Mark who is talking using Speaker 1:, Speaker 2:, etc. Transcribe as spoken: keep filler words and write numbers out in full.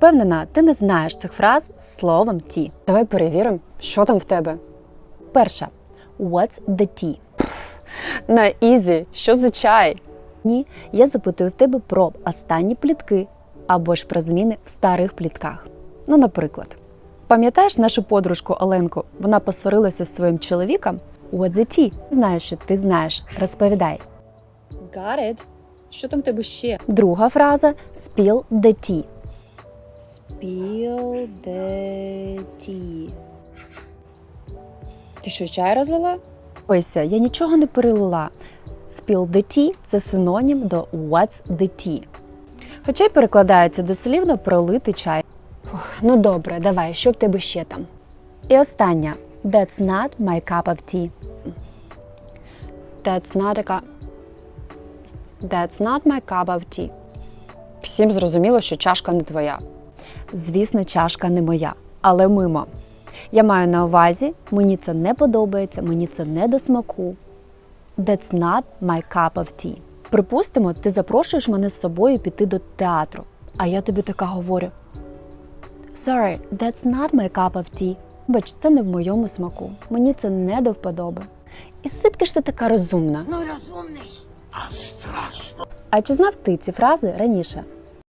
Speaker 1: Впевнена, ти не знаєш цих фраз з словом tea.
Speaker 2: Давай перевіримо, що там в тебе.
Speaker 1: Перша. What's the tea?
Speaker 2: На ізі, що за чай?
Speaker 1: Ні, я запитую в тебе про останні плітки або ж про зміни в старих плітках. Ну, наприклад, пам'ятаєш нашу подружку Оленку? Вона посварилася зі своїм чоловіком. What's the tea? Знаю, що ти знаєш. Розповідай.
Speaker 2: Got it. Що там в тебе ще?
Speaker 1: Друга фраза spill the tea.
Speaker 2: Spill the tea. Ти що, чай розлила?
Speaker 1: Ось, я нічого не перелила. Spill the tea – це синонім до what's the tea. Хоча й перекладається дослівно пролити чай.
Speaker 2: Ох, ну добре, давай, що в тебе ще там?
Speaker 1: І остання. That's not my cup of tea.
Speaker 2: That's not a cup. That's not my cup of tea. Всім зрозуміло, що чашка не твоя.
Speaker 1: Звісно, чашка не моя, але мимо. Я маю на увазі, мені це не подобається, мені це не до смаку. That's not my cup of tea. Припустимо, ти запрошуєш мене з собою піти до театру, а я тобі така говорю: Sorry, that's not my cup of tea. Бач, це не в моєму смаку, мені це не до вподоби. І звідки ж ти така розумна?
Speaker 3: Ну, розумний, а страшно.
Speaker 1: А чи знав ти ці фрази раніше?